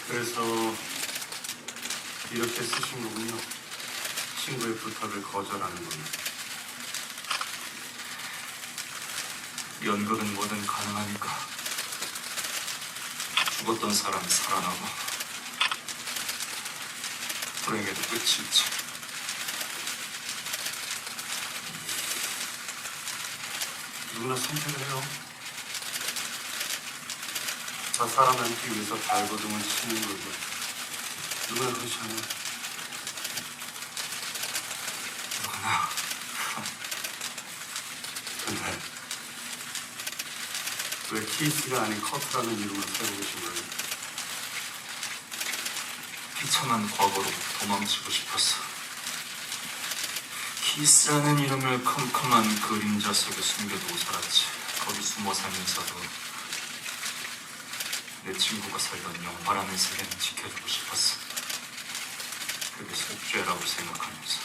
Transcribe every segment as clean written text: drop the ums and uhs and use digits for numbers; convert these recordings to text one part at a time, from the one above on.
그래서 이렇게 쓰신 거군요. 친구의 부탁을 거절하는 거는. 연극은 뭐든 가능하니까 죽었던 사람이 살아나고 불행에도 끝이 있지. 누구나 선택을 해요. 자 살아남기 위해서 발버둥을 치는 거죠. 누가 그렇지 않아요? 누구나. 근데 왜 키스가 아닌 커트라는 이름을 쓰고 계신 거예요? 비참한 과거로 도망치고 싶었어. 키스라는 이름을 컴컴한 그림자 속에 숨겨두고 살았지. 거기 숨어 살면서도 내 친구가 살던 영화라는 세계는 지켜주고 싶었어. 그게 속죄라고 생각하면서.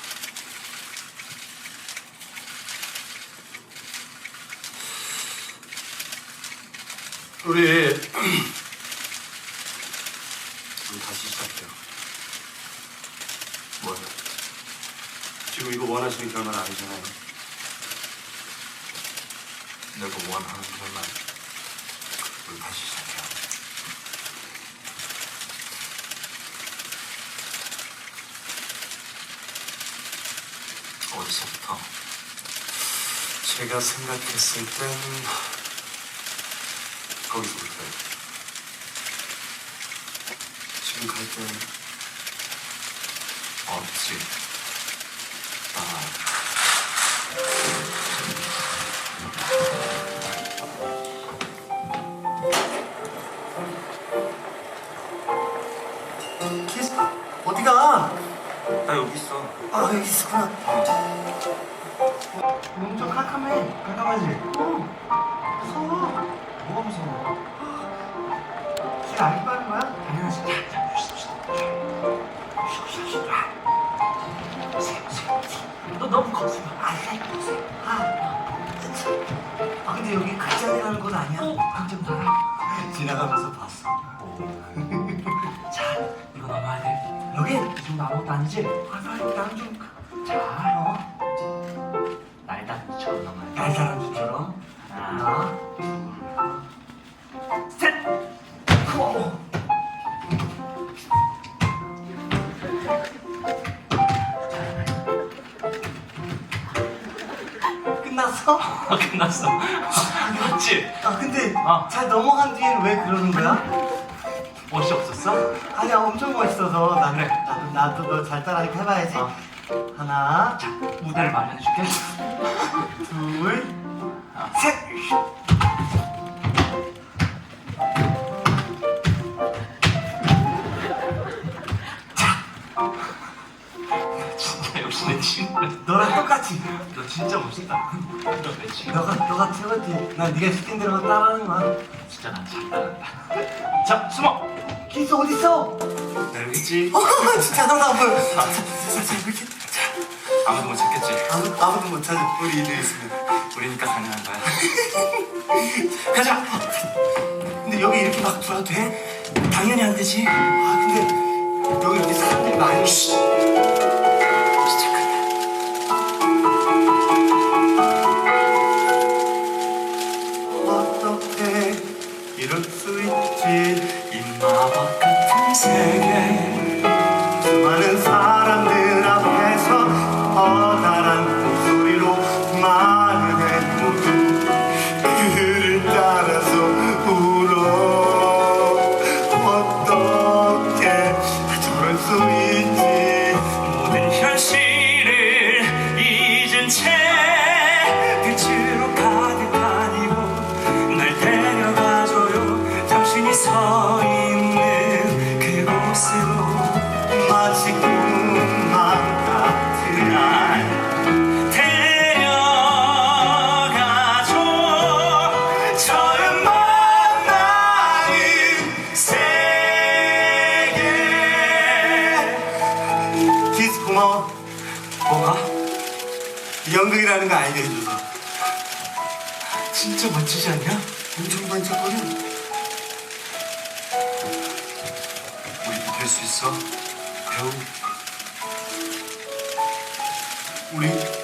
우리 다시 시작해요. 뭐야? 지금 이거 원하시는 결말 아니잖아요. 내가 원하는 결말. 우리 다시 시작해요. 어디서부터? 제가 생각했을 땐 거기서부터요. 지금 갈 때 없지. 키스? 어디가? 나 여기 있어. 아 여기 있었구나. 너무 좀 깜깜해. 깜깜하지? 무서워. 뭐가 무서워? 길 안 빠는 거야? 당연하지. 너 너무 겁쟁이. 아 근데 여기 극장이라는 곳 아니야? 극장 봐라. 지나가면서 봤어. 자, 이거 넘어야 돼. 여기? 이 정도 아무것도 아니지? 빨리 나는 좀. 자, 날다람쥐처럼 넘어야 돼. 날다람쥐처럼? 하나, 둘, 셋! 끝났어? 끝났어. 맞지? 아 근데 어. 잘 넘어간 뒤에는 왜 그러는 거야? 멋이 없었어? 아니야 엄청 멋있어서 그래. 나도 너 잘 따라하니까 해봐야지. 어. 하나, 무대를 마련해줄게. 둘, 셋! 진짜 역시 내 친구야. 너랑 똑같이. 너 진짜 멋있다. 너 내 친구. 너가 최고지. 난 네가 시킨 대로 따라하는 거야. 진짜 난 잘 따른다. 자, 숨어. 키스 어딨어? 나 여기 있지. 진짜 너무 이렇게 아무도 못 찾겠지. 아무도 못 찾아. 우리 이들 있으면. 우리니까 가능한 거야. 가자. 근데 여기 이렇게 막 들어도 돼? 당연히 안 되지. 아 근데 여기 이렇게 사람들이 많이. 시작한다. 어떻게 이럴 수 있지? 이 마법 같은 세계. 수많은 사람들 앞에서 커다란 목소리로 말을 해 모두 그를 따라서 울어. 어떻게 저럴 수 있지? 모든 현실을 잊은 채 빛으로 가득한 이곳 날 데려가줘요. 당신이 서 있는 그곳으로. 마치 꿈만 같은 날 데려가줘. 처음 만나는 세계. 키스 고마워. 뭐가? 연극이라는 거 알게 해줘서. 진짜 멋지지 않냐? 엄청 반짝거려. 수 있어? 배우? 우리